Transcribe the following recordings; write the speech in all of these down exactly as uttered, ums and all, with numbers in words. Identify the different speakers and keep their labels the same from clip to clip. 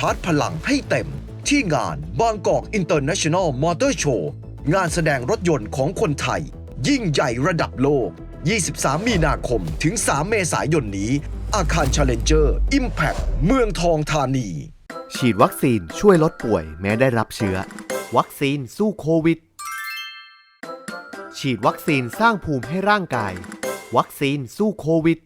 Speaker 1: าร์จพลังให้เต็มที่งานบางกอกอินเตอร์เนชั่นแนลมอเตอร์โชว์งานแสดงรถยนต์ของคนไทยยิ่งใหญ่ระดับโลก ยี่สิบสาม มีนาคมถึง สาม เมษายนนี้อาคาร Challenger Impact เมืองทองธานี
Speaker 2: ฉีดวัคซีนช่วยลดป่วยแม้ได้รับเชื้อวัคซีนสู้โควิดฉีดวัคซีนสร้างภูมิให้ร่างกายวัคซีนสู้โควิด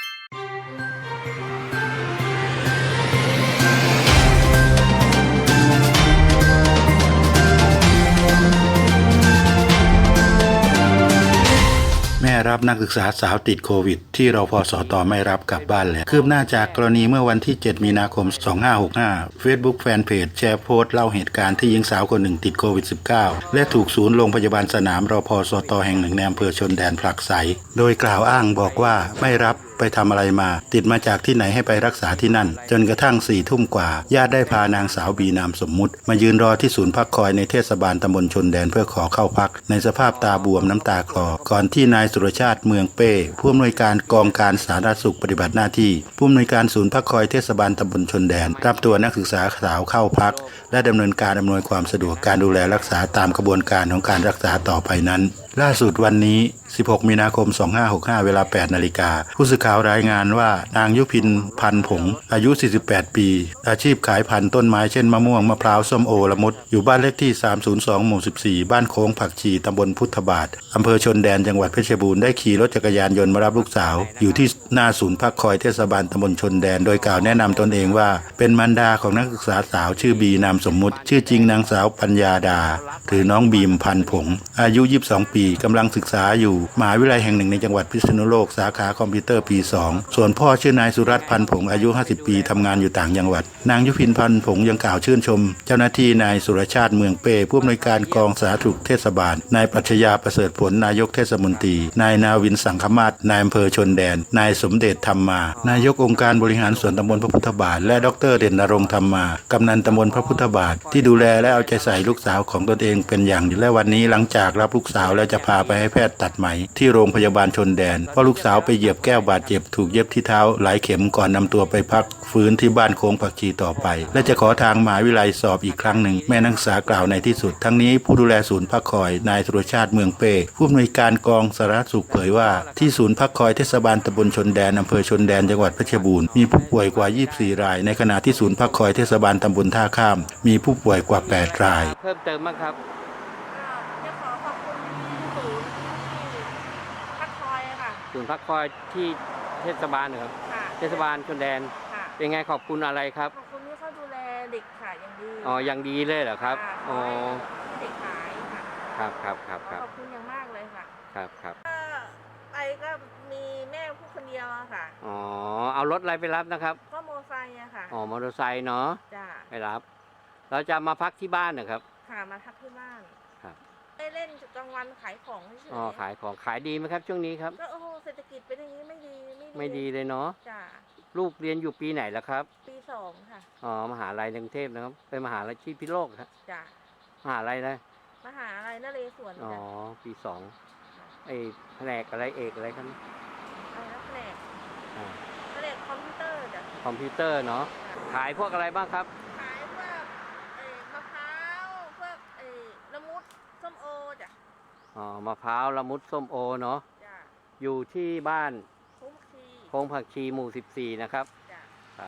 Speaker 3: แม่รับนักศึกษาสาวติดโควิดที่รพสตไม่รับกลับบ้านแล้วคืบหน้าจากกรณีเมื่อวันที่เจ็ดมีนาคมสองพันห้าร้อยหกสิบห้า Facebook แฟนเพจแชร์โพสต์เล่าเหตุการณ์ที่หญิงสาวคนหนึ่งติดโควิด สิบเก้า และถูกศูนย์โรงพยาบาลสนามรพสตแห่งหนึ่งในอำเภอชนแดนผลักไสโดยกล่าวอ้างบอกว่าไม่รับไปทำอะไรมาติดมาจากที่ไหนให้ไปรักษาที่นั่นจนกระทั่งสี่ทุ่มกว่าญาติได้พานางสาวบีนามสมมุติมายืนรอที่ศูนย์พักคอยในเทศบาลตำบลชนแดนเพื่อขอเข้าพักในสภาพตาบวมน้ำตาคลอก่อนที่นายสุรชาติเมืองเป้ผู้อำนวยการกองการสาธารณสุขปฏิบัติหน้าที่ผู้อำนวยการศูนย์พักคอยเทศบาลตำบลชนแดนรับตัวนักศึกษาสาวเข้าพักและดำเนินการอำนวยความสะดวกการดูแลรักษาตามกระบวนการของการรักษาต่อไปนั้นล่าสุดวันนี้สิบหกมีนาคมสองพันห้าร้อยหกสิบห้าเวลาแปดนาฬิกาผู้สื่อข่าวรายงานว่านางยุพินพันผงอายุสี่สิบแปดปีอาชีพขายพันธุ์ต้นไม้เช่นมะม่วงมะพร้าวส้มโอละมุดอยู่บ้านเลขที่สามศูนย์สองหมู่สิบสี่บ้านโค้งผักชีตำบลพุทธบาทอำเภอชนแดนจังหวัดเพชรบูรณ์ได้ขี่รถจักรยานยนต์มารับลูกสาวอยู่ที่หน้าศูนย์พักคอยเทศบาลตำบลชนแดนโดยกล่าวแนะนำตนเองว่าเป็นมารดาของนักศึกษาสาวชื่อบีนามสมมุติชื่อจริงนางสาวปัญญาดาหรือน้องบีมพันผงอายุยี่สิบสองปีกำลังศึกษาอยู่มหาวิทยาลัยแห่งหนึ่งในจังหวัดพิษณุโลกสาขาคอมพิวเตอร์ปีสองส่วนพ่อชื่อนายสุรัตน์พันผงอายุห้าสิบปีทำงานอยู่ต่างจังหวัดนางยุพินพันผงยังกล่าวชื่นชมเจ้าหน้าที่นายสุรชาติเมืองเป้ผู้อำนวยการกองสาธารณสุขเทศบาลนายปรัชญาประเสริฐผลนายกเทศมนตรีนายนาวินสังคมาศนายอำเภอชนแดนนายสมเด็จธรรมมานายกองค์การบริหารส่วนตำบลพระพุทธบาทและดรเด่นนรงค์ธรรมมากำนันตำบลพระพุทธบาทที่ดูแลและเอาใจใส่ลูกสาวของตนเองเป็นอย่างดีและวันนี้หลังจากรับลูกสาวแล้วจะพาไปให้แพทย์ตัดไหมที่โรงพยาบาลชนแดนเพราะลูกสาวไปเหยียบแก้วบาดเจ็บถูกเย็บที่เท้าหลายเข็มก่อนนำตัวไปพักฟื้นที่บ้านโค้งผักชีต่อไปและจะขอทางมหาวิทยาลัยสอบอีกครั้งหนึ่งแม่นักศึกษากล่าวในที่สุดทั้งนี้ผู้ดูแลศูนย์พักคอยนายสุรชาติเมืองเป้ผู้อำนวยการกองสาธารณสุขเผยว่าที่ศูนย์พักคอยเทศบาลตำบลชนแดนอำเภอชนแดนจังหวัดเพชรบูรณ์มีผู้ป่วยกว่ายี่สิบสี่รายในขณะที่ศูนย์พักคอยเทศบาลตำบลท่าข้ามมีผู้ป่วยกว่าแปดราย
Speaker 4: เพิ่มเติมบ้างครับ
Speaker 5: จะขอขอบคุณศูนย์พักคอยค่ะ
Speaker 4: ศูนย์พักคอยที่เทศบาลเหรอครับเทศบาลชนแดนเป็นไงขอบคุณอะไรครับ
Speaker 5: ขอบคุณที่เขาดูแลเด็กค่ะอย่างดี
Speaker 4: อ๋ออย่างดีเลยเหรอครับอ๋อ
Speaker 5: เด็กหายค่ะ
Speaker 4: ครับครับครับครับ
Speaker 5: ขอบคุณอย่างมากเลยค่ะ
Speaker 4: ครับครับ
Speaker 5: ไปก็มีแม่ผู้คนเดียวค่ะ
Speaker 4: อ๋อเอารถอะไรไปรับนะครับ
Speaker 5: ก็มอเตอร์ไซค์อะค่ะ
Speaker 4: อ๋อมอเตอร์ไซค์เนาะ
Speaker 5: จ้า
Speaker 4: ไปรับเราจะมาพักที่บ้านเหรอครับ
Speaker 5: ค่ะมาพักที่บ้าน
Speaker 4: ครับ
Speaker 5: ได้เล่นกลางวันขายของเฉย
Speaker 4: อ๋อขายของขายดีไหมครับช่วงนี้ครับ
Speaker 5: ก็โอ้โหเศรษฐกิจเป็นอย่างนี้ไม่ดี
Speaker 4: ไม่ดีเลยเนาะ
Speaker 5: จ้า
Speaker 4: ลูกเรียนอยู่ปีไหนแล้วครับ
Speaker 5: ปีสองค่ะ
Speaker 4: อ๋อมหาลัยกรุงเทพนะครับเป็นมหาลัยที่พิโลกครับ
Speaker 5: จ้
Speaker 4: ามหาลัยนะ
Speaker 5: มหาลัยนเรศวร
Speaker 4: อ๋อปีสองไอแผนกอะไรเอกอะไรครับ
Speaker 5: อะไรนะแผนกแผนกคอมพิวเตอร์จ้ะ
Speaker 4: คอมพิวเตอร์เนาะขายพวกอะไรบ้างครับ
Speaker 5: ขายพวกเอ่อมะพร้าวพวกเอ่อละมุดส้มโอจ้ะ
Speaker 4: อ๋อมะพร้าวละมุดส้มโอเนาะ
Speaker 5: จ้ะ
Speaker 4: อยู่ที่บ้าน
Speaker 5: โค้งผักชี
Speaker 4: โค้งผักชีหมู่สิบสี่นะครับ
Speaker 5: จ้ะ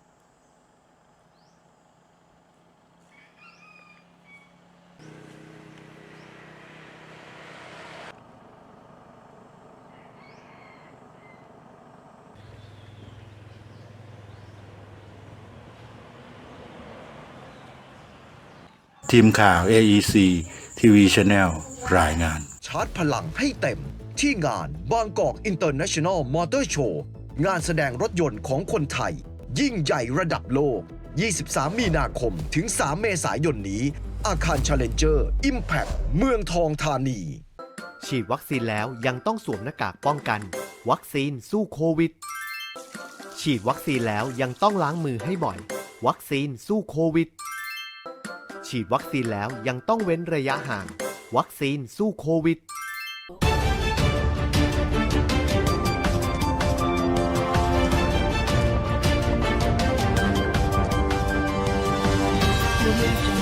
Speaker 3: ทีมข่าว เอ อี ซี ที วี Channel รายงาน
Speaker 1: ชาร์จพลังให้เต็มที่งานบางกอกอินเตอร์เนชั่นแนลมอเตอร์โชว์งานแสดงรถยนต์ของคนไทยยิ่งใหญ่ระดับโลก ยี่สิบสาม มีนาคมถึง สาม เมษายนนี้อาคาร Challenger Impact เมืองทองธานี
Speaker 2: ฉีดวัคซีนแล้วยังต้องสวมหน้ากากป้องกันวัคซีนสู้โควิดฉีดวัคซีนแล้วยังต้องล้างมือให้บ่อยวัคซีนสู้โควิดฉีดวัคซีนแล้วยังต้องเว้นระยะห่างวัคซีนสู้โควิด
Speaker 6: audio jungle.